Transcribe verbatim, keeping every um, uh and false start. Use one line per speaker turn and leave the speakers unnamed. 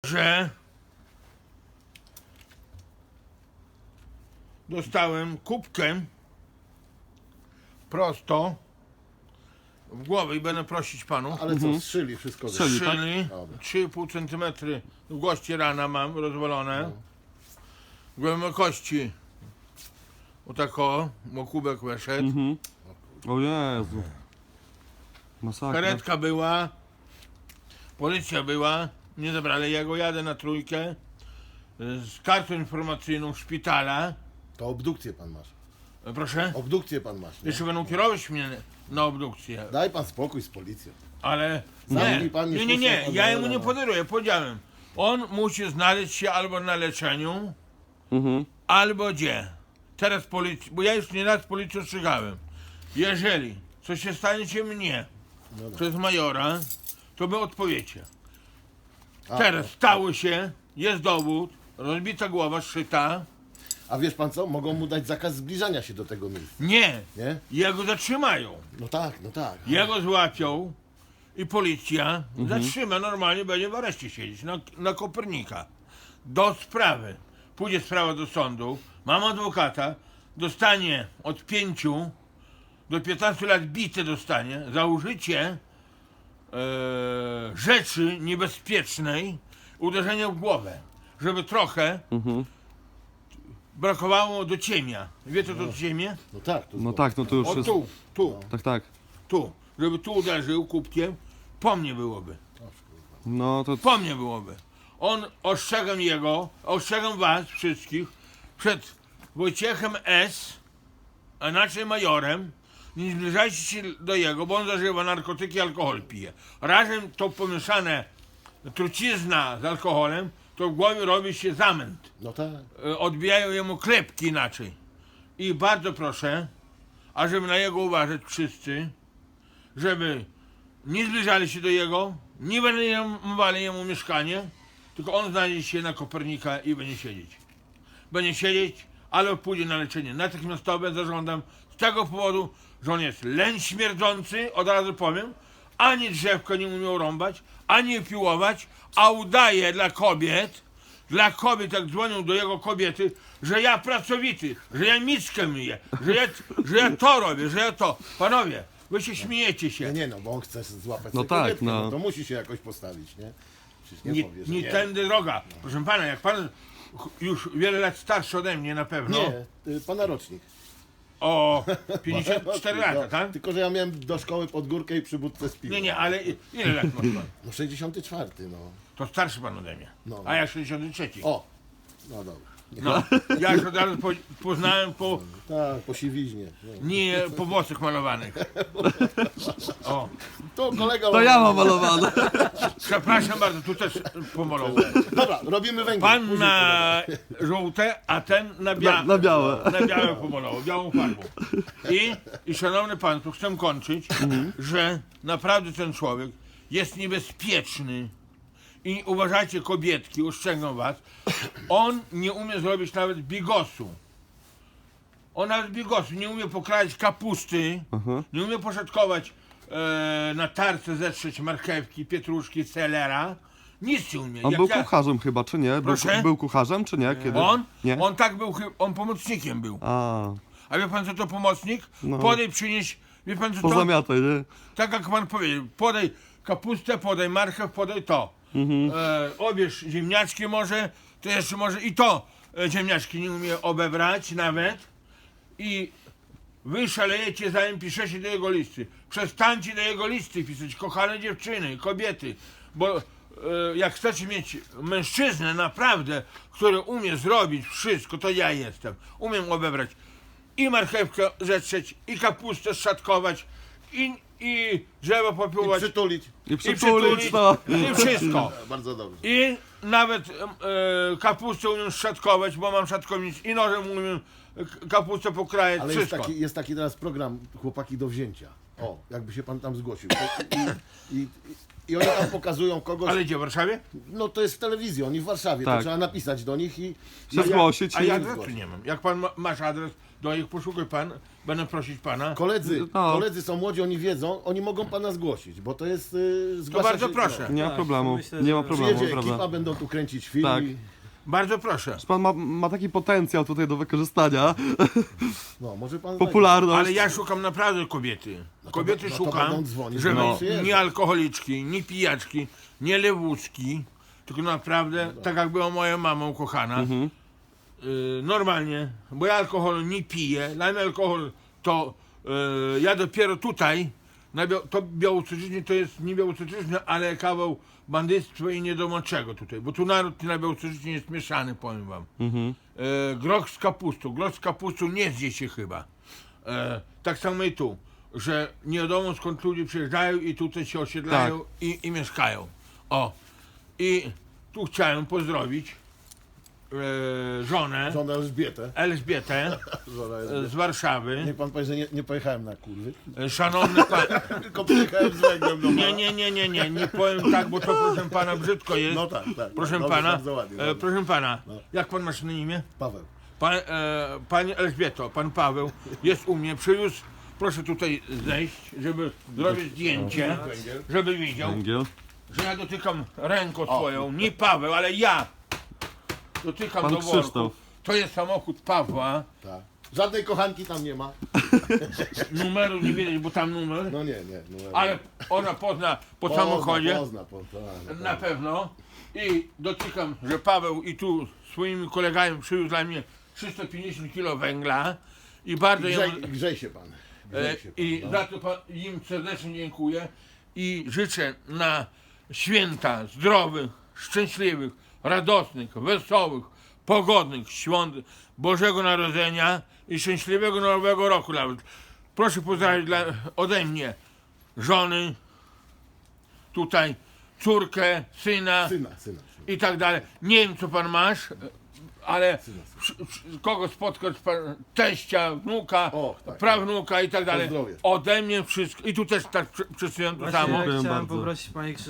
że dostałem kubkę prosto w głowę i będę prosić panu.
Ale co, strzyli wszystko?
Strzeli.
Strzyli,
Dobra.
trzy i pół centymetry długości rana mam rozwalone. Głębokości o tako, bo kubek weszedł.
Mhm. O Jezu. Masakra.
Karetka była, policja była, nie zabrali jego, jadę na trójkę z kartą informacyjną szpitala.
To obdukcję pan masz.
E, Proszę,
Obdukcję pan masz. Nie?
jeszcze będą kierować mnie na obdukcję,
Daj pan spokój z policją.
ale
Zamknij
nie,
pan, nie
nie, nie, nie,
słucha
ja
pan
jemu
Jola,
nie
no.
podaruję, powiedziałem. On musi znaleźć się albo na leczeniu,
Mhm.
albo gdzie. Teraz policja, bo ja już nie raz policję ostrzegałem. Jeżeli coś się staniecie mnie
Dobra.
przez majora, to wy odpowiecie.
A,
Teraz stało się, jest dowód, rozbita głowa, szyta.
A wiesz pan co? Mogą mu dać zakaz zbliżania się do tego miejsca,
Nie,
nie?
jego zatrzymają.
No tak, no tak.
Jego złapią i policja zatrzyma, normalnie będzie w areszcie siedzieć, na, na Kopernika. Do sprawy. Pójdzie sprawa do sądu, mam adwokata, dostanie od pięciu do piętnastu lat bite dostanie za użycie e, rzeczy niebezpiecznej, uderzenia w głowę, żeby trochę
Mhm.
brakowało do ciemia. Wie co to do ciemie?
No tak. To
No tak, no to już
O
jest...
tu, tu,
Tak, tak.
tu. Żeby tu uderzył kubkiem, po mnie byłoby.
No to...
Po mnie byłoby. On, ostrzegam jego, ostrzegam was wszystkich przed Wojciechem S., a inaczej majorem, nie zbliżajcie się do jego, bo on zażywa narkotyki, alkohol pije. Razem to pomieszane trucizna z alkoholem, to w głowie robi się zamęt.
No tak.
E, Odbijają jemu klepki inaczej. I bardzo proszę, ażeby na jego uważać wszyscy, żeby nie zbliżali się do jego, nie wynajmowali jemu mieszkanie, tylko on znajdzie się na Kopernika i będzie siedzieć. Będzie siedzieć, ale pójdzie na leczenie natychmiastowe, zażądam z tego powodu, że on jest leń śmierdzący, od razu powiem, ani drzewko nie umiał rąbać, ani piłować, a udaje dla kobiet, dla kobiet, jak dzwonią do jego kobiety, że ja pracowity, że ja miskę myję, że ja, że ja to robię, że ja to. Panowie, wy się śmiejecie
Nie,
się.
nie no, bo on chce złapać
No
sobie
tak,
kobietkę,
no.
no. To musi się jakoś postawić, nie? Przecież nie,
Nie,
powie, że
nie
nie.
tędy droga. Proszę pana, jak pan już wiele lat starszy ode mnie na pewno,
Nie, y, pana rocznik.
o pięćdziesiąt cztery
Rocznik,
lata,
no.
tak?
Tylko, że ja miałem do szkoły pod górkę i przy budce z piwem.
Nie, nie, ale i- ile lat masz pan?
No sześćdziesiąty czwarty, no.
To starszy pan ode mnie.
No.
A ja sześćdziesiąty trzeci.
O! No dobra.
No, ja już od razu po, poznałem po,
Tak, po siwiźnie. No.
nie po włosach malowanych. O,
To kolega...
To ja mam malowane.
przepraszam bardzo, tu też pomalował.
Dobra, robimy węgiel.
Pan
Później
na żółte, a ten na, bia-
Na, na białe.
na białe pomalował, białą farbą. I, i szanowny pan, tu chcę kończyć, że naprawdę ten człowiek jest niebezpieczny. I uważajcie, kobietki, ostrzegam was, on nie umie zrobić nawet bigosu. On nawet bigosu nie umie pokraić kapusty,
Aha.
nie umie poszatkować e, na tarce, zetrzeć marchewki, pietruszki, selera. Nic nie umie.
On
Jak
był
ja-
kucharzem chyba, czy nie? Był,
Proszę?
był kucharzem, czy nie? Kiedy?
On?
Nie?
On tak był, chy- on pomocnikiem był.
A,
A wie pan co to pomocnik?
No.
Podaj, przynieś, wie pan co to?
pozamiataj, nie?
Tak jak pan powiedział, podaj kapustę, podaj marchew, podaj to.
Mhm.
E, obierz ziemniaczki może, to jeszcze może i to e, ziemniaczki nie umie obebrać nawet. I wy szalejecie, zanim piszecie do jego listy. Przestańcie do jego listy pisać, kochane dziewczyny, kobiety, bo e, jak chcecie mieć mężczyznę naprawdę, który umie zrobić wszystko, to ja jestem. Umiem obebrać i marchewkę zetrzeć, i kapustę szatkować, i, i drzewo
I
popiłować,
przytulić.
I
i
przytulić, no.
i wszystko.
Bardzo dobrze.
I nawet e, kapustę umiem szatkować, bo mam szatkownicę, i nożem umiem k- kapustę pokrajać,
Ale jest
wszystko.
taki, jest taki teraz program Chłopaki do wzięcia. O, jakby się pan tam zgłosił. I, i, i, I oni tam pokazują kogoś,
Ale gdzie, w Warszawie?
no to jest w telewizji, oni w Warszawie,
Tak.
to trzeba napisać do nich i...
Się zgłosić
A
i...
ja adresu nie mam. Jak pan ma, masz adres do nich, poszukaj pan, będę prosić pana.
Koledzy,
No.
koledzy są młodzi, oni wiedzą, oni mogą pana zgłosić, bo to jest... Yy,
To
zgłasza
bardzo
się,
proszę.
Nie ma
Tak,
problemu,
myślę,
nie ma
że-
problemu,
Przyjedzie ekipa,
prawda?
będą tu kręcić film
Tak.
i...
Bardzo proszę.
Pan ma, ma taki potencjał tutaj do wykorzystania,
No, może pan...
popularność.
Ale ja szukam naprawdę kobiety. Kobiety
no to
szukam,
będą dzwonić,
żeby
będą przyjeżdżać.
nie alkoholiczki, nie pijaczki, nie lewucki, tylko naprawdę, tak jak była moja mama ukochana, y, normalnie, bo ja alkohol nie piję, dla mnie alkohol to y, ja dopiero tutaj, na bia- to białocuczyźnie to jest nie białocuczyźnie, ale kawał bandyctwa i niedomoczego tutaj, bo tu naród na białocuczyźnie jest mieszany, powiem wam.
Mhm.
E, groch z kapustą. Groch z kapustą nie zje się chyba. E, tak samo i tu, że nie wiadomo skąd ludzie przyjeżdżają i tutaj się osiedlają
Tak.
i, i mieszkają. O. I tu chciałem pozdrowić e, żonę
Żonę Elżbietę.
Elżbietę
Żona
e,
Elżbieta.
z Warszawy.
Niech pan powie, że nie, nie pojechałem na kurwy,
E, szanowny pan.
tylko przyjechałem z węglem do
Nie, nie, nie, nie, nie, nie powiem tak, bo to proszę pana brzydko jest.
No tak, tak.
Proszę
Dobrze,
pana,
bardzo ładnie,
e,
dobrze.
proszę pana,
No.
jak pan masz na imię?
Paweł.
Pan, e, Pani Elżbieto, pan Paweł jest u mnie, przywiózł, proszę tutaj zejść, żeby zrobić zdjęcie, żeby widział,
Węgiel.
że ja dotykam ręką swoją, nie Paweł, ale ja dotykam
Pan
do worku.
Krzysztof.
To jest samochód Pawła,
Tak. Żadnej kochanki tam nie ma.
numeru nie widać, bo tam numer,
No nie, nie. No,
ale ona pozna po
pozna,
samochodzie,
Pozna, pozna, tak,
na
tak.
pewno, i dotykam, że Paweł i tu swoimi kolegami przywiózł dla mnie trzysta pięćdziesiąt kilo węgla i bardzo
I
jemu...
Grzej, grzej się pan.
E,
Grzej się pan,
I
no.
za to pa- im serdecznie dziękuję i życzę na święta zdrowych, szczęśliwych, radosnych, wesołych, pogodnych świąt Bożego Narodzenia i szczęśliwego Nowego Roku nawet. Proszę pozdrawić dla, ode mnie żony, tutaj córkę, syna
Syna, syna. syna.
i tak dalej. Nie wiem co pan masz, ale przy- przy- kogo spotkać, pan, teścia, wnuka,
O, tak,
prawnuka i tak dalej.
Pozdrowie.
Ode mnie wszystko. I tu też tak przy- przesyłam to
Właśnie
samo.
Dziękuję
chciałem
bardzo.
poprosić panie Krzysztof.